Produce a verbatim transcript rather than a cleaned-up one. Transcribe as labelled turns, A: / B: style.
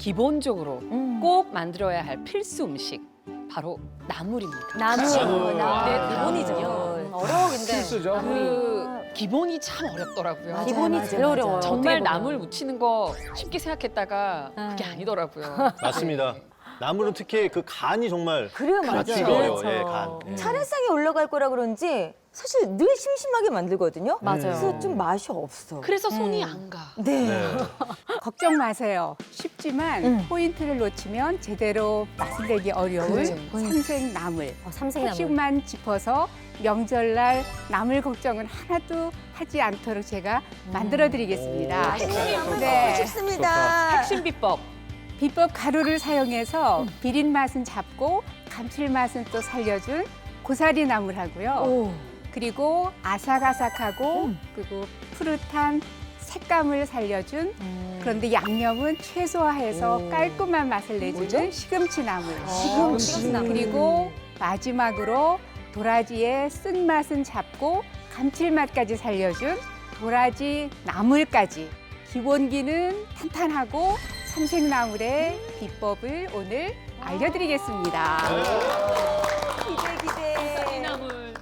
A: 기본적으로
B: 음.
A: 꼭 만들어야 할 필수 음식 바로 나물입니다.
B: 나물.
C: 나물.
B: 나물.
A: 네,
B: 기본이죠.
A: 그럼요.
B: 어려워 근데.
C: 필수죠.
A: 그 기본이 참 어렵더라고요.
B: 맞아요,
D: 기본이
B: 맞아요,
D: 제일
B: 맞아요.
D: 어려워요.
A: 정말
D: 어떻게 보면.
A: 나물 무치는 거 쉽게 생각했다가
B: 음.
A: 그게 아니더라고요.
E: 맞습니다. 나물은 특히 그 간이 정말
B: 그래요, 맞아요.
E: 맞추기가 어려워요.
D: 그렇죠.
E: 예, 간. 예.
B: 차례상에 올라갈 거라 그런지 사실 늘 심심하게 만들거든요.
D: 맞아요.
B: 그래서 좀 맛이 없어.
A: 그래서 손이
B: 음.
A: 안 가.
B: 네.
E: 네.
F: 걱정 마세요. 쉽지만
B: 음.
F: 포인트를 놓치면 제대로 맛을 내기 어려운
B: 그렇죠.
F: 삼색나물.
D: 어, 삼색나물.
F: 핵심만 짚어서 명절날 나물 걱정은 하나도 하지 않도록 제가 만들어드리겠습니다.
B: 핵심이 한번
F: 네.
B: 먹고 싶습니다.
A: 핵심 비법.
F: 비법 가루를 사용해서 비린 맛은 잡고 감칠맛은 또 살려준 고사리 나물하고요.
B: 오.
F: 그리고 아삭아삭하고 그리고 푸릇한 색감을 살려준 그런데 양념은 최소화해서
B: 오.
F: 깔끔한 맛을 내주는 시금치 나물.
B: 시금치.
F: 그리고 마지막으로 도라지의 쓴맛은 잡고 감칠맛까지 살려준 도라지 나물까지. 기본기는 탄탄하고 삼색나물의 비법을 오늘 알려드리겠습니다.
B: 기대 기대.
A: 나물.